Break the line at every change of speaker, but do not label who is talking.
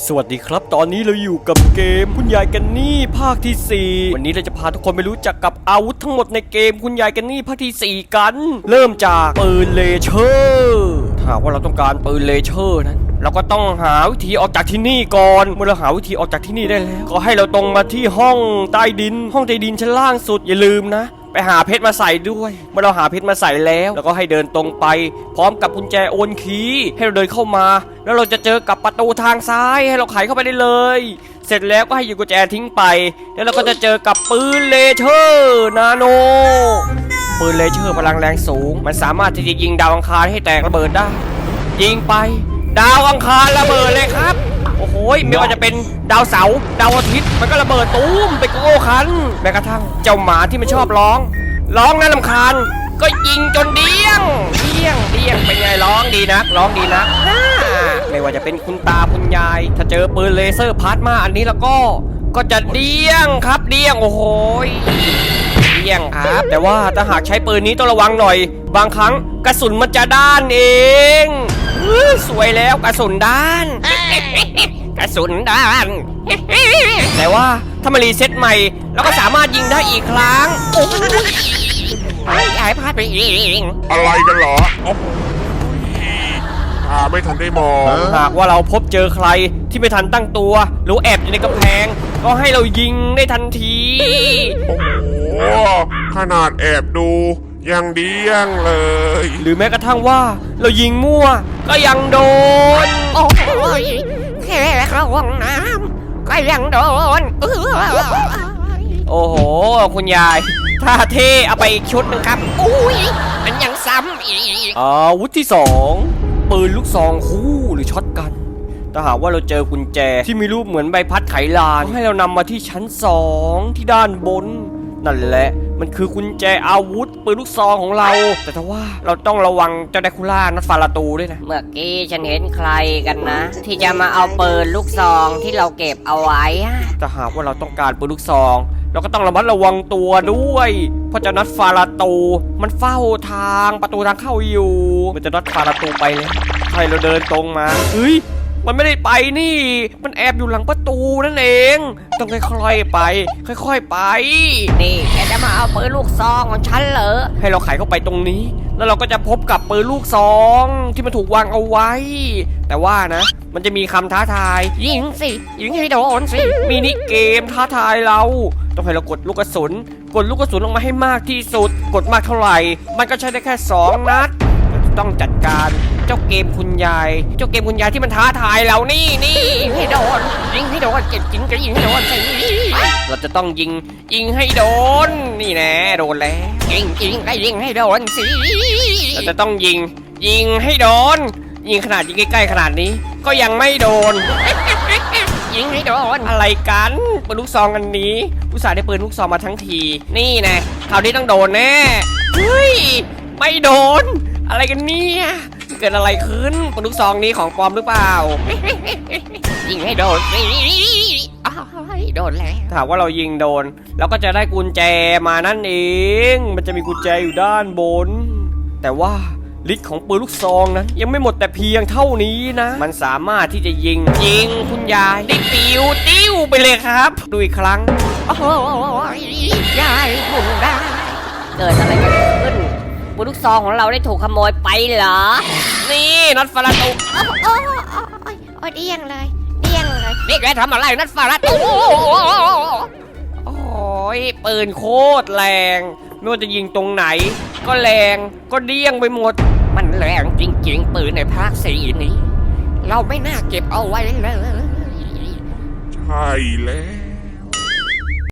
สวัสดีครับตอนนี้เราอยู่กับเกมคุณยายกันนี่ภาคที่4วันนี้เราจะพาทุกคนไปรู้จักกับอาวุธทั้งหมดในเกมคุณยายกันนี่ภาคที่4กันเริ่มจากปืนเลเชอร์ถ้าว่าเราต้องการปืนเลเชอร์นั้นเราก็ต้องหาวิธีออกจากที่นี่ก่อนเมื่อเราหาวิธีออกจากที่นี่ได้แล้วก็ให้เราตรงมาที่ห้องใต้ดินชั้นล่างสุดอย่าลืมนะไปหาเพชรมาใส่ด้วยเมื่อเราหาเพชรมาใส่แล้วก็ให้เดินตรงไปพร้อมกับกุญแจโอนคีย์ให้เราเดินเข้ามาแล้วเราจะเจอกับประตูทางซ้ายให้เราไขเข้าไปได้เลยเสร็จแล้วก็ให้หยิบกุญแจทิ้งไปแล้วเราก็จะเจอกับปืนเลเชอร์นาโนปืนเลเชอร์พลังแรงสูงมันสามารถที่จะยิงดาวอังคารให้แตกระเบิดได้ยิงไปดาวอังคารระเบิดเลยครับโอ้โหไม่ว่าจะเป็นดาวเสาร์ดาวอาทิตย์มันก็ระเบิดตูมไปโก้คันแม้กระทั่งเจ้าหมาที่มันชอบร้องน่ารำคาญก็ยิงจนเดี้ยงเป็นไงร้องดีนักไม่ว่าจะเป็นคุณตาคุณยายถ้าเจอปืนเลเซอร์พลาสมาอันนี้แล้วก็จะเดี้ยงครับโอ้โหเดี้ยงครับแต่ว่าถ้าหากใช้ปืนนี้ต้องระวังหน่อยบางครั้งกระสุนมันจะด้านเองสวยแล้วกระสุนด้านแต่ว่าถ้ามารีเซ็ตใหม่เราก็สามารถยิงได้อีกครั้งโอ้ยหายพลาดไปอีก
อะไรกันเหรอโอ้โหไม่ทันได้มอง
หากว่าเราพบเจอใครที่ไม่ทันตั้งตัวหรือแอบอยู่ในกำแพงก็ให้เรายิงได้ทันที
โอ้โหขนาดแอบดูยังเดี้ยงเลย
หรือแม้กระทั่งว่าเรายิงมั่วก็ยังโดน
โอ้ยแค่เข้าห้องน้ำก็ยังโดน
โอ้โหคุณยายท่าเท่เอาไปอีกชุดนึงครับ
อุ้ยมันยังซ้ำอีก
อาวุธที่2ปืนลูกซองคู่หรือช็อตกันถ้าหากว่าเราเจอกุญแจที่มีรูปเหมือนใบพัดไขลานให้เรานำมาที่ชั้น2ที่ด้านบนนั่นแหละมันคือกุญแจอาวุธปืนลูกซองของเราแต่ถ้าว่าเราต้องระวังเจ้าไดคูล่านัดฟาราตูด้วยนะ
เมื่อกี้ฉันเห็นใครกันนะที่จะมาเอาปืนลูกซองที่เราเก็บเอาไว้
ถ้าหากว่าเราต้องการปืนลูกซองเราก็ต้องระมัดระวังตัวด้วยเพราะเจ้านัดฟาราตูมันเฝ้าทางประตูทางเข้าอยู่มันจะนัดฟาราตูไปเลยให้เราเดินตรงมาเฮ้ยมันไม่ได้ไปนี่มันแอบอยู่หลังประตูนั่นเองต้องค่อยๆไปค่อยๆไป
นี่แกจะมาเอาปืนลูกซองของฉันเหรอ
ให้เราไขเข้าไปตรงนี้แล้วเราก็จะพบกับปืนลูกซองที่มันถูกวางเอาไว้แต่ว่านะมันจะมีคำท้าทาย
ยิงสิยิงให้โดนสิ
มินิเกมท้าทายเราต้องให้เรากดลูกกระสุนลงมาให้มากที่สุดกดมากเท่าไหร่มันก็ใช้ได้แค่2นัดต้องจัดการเจ้าเกมคุณยายที่มันท้าทายเรานี่
ให้โดนยิงให้โดนเจ็บจริงก็ยิงให้โดนสิ
เราจะต้องยิงให้โดนนี่แน่โดนแล้ว
ยิงก็ยิงให้โดนสิ
เราจะต้องยิงให้โดนยิงขนาดยิงใกล้ๆขนาดนี้ก็ยังไม่โดน
ยิงให้โดน
อะไรกันปืนลูกซองอันนี้อุตส่าห์ได้ปืนลูกซองมาทั้งทีนี่นะคราวนี้ต้องโดนแน่เฮ้ยไม่โดนอะไรกันเนี่ยเกิดอะไรขึ้นปืนลูกซองนี้ของปลอมหรือเปล่า
ยิงให้โดนโดนแล้ว
ถ้าว่าเรายิงโดนเราก็จะได้กุญแจมานั่นเองมันจะมีกุญแจอยู่ด้านบนแต่ว่าฤทธิ์ของปืนลูกซองนั้นยังไม่หมดแต่เพียงเท่านี้นะมันสามารถที่จะยิงคุณยายได้ติ้วไปเลยครับดูอีกครั้ง
โอ้โหยายคุณได้เกิดอะไรขึ้นปืนลูกซองของเราได้ถูกขโมยไปเหรอ
นี่นัดฟาราตู
โอ้ยเดี้ยงเลยนี่แกทำอะไรนัดฟาราตู
โอ้ยปืนโคตรแรงไม่ว่าจะยิงตรงไหนก็แรงก็เดี้ยงไปหมด
มันแรงจริงๆปืนในภาค4นี้เราไม่น่าเก็บเอาไว้เลย
ใช่แล้ว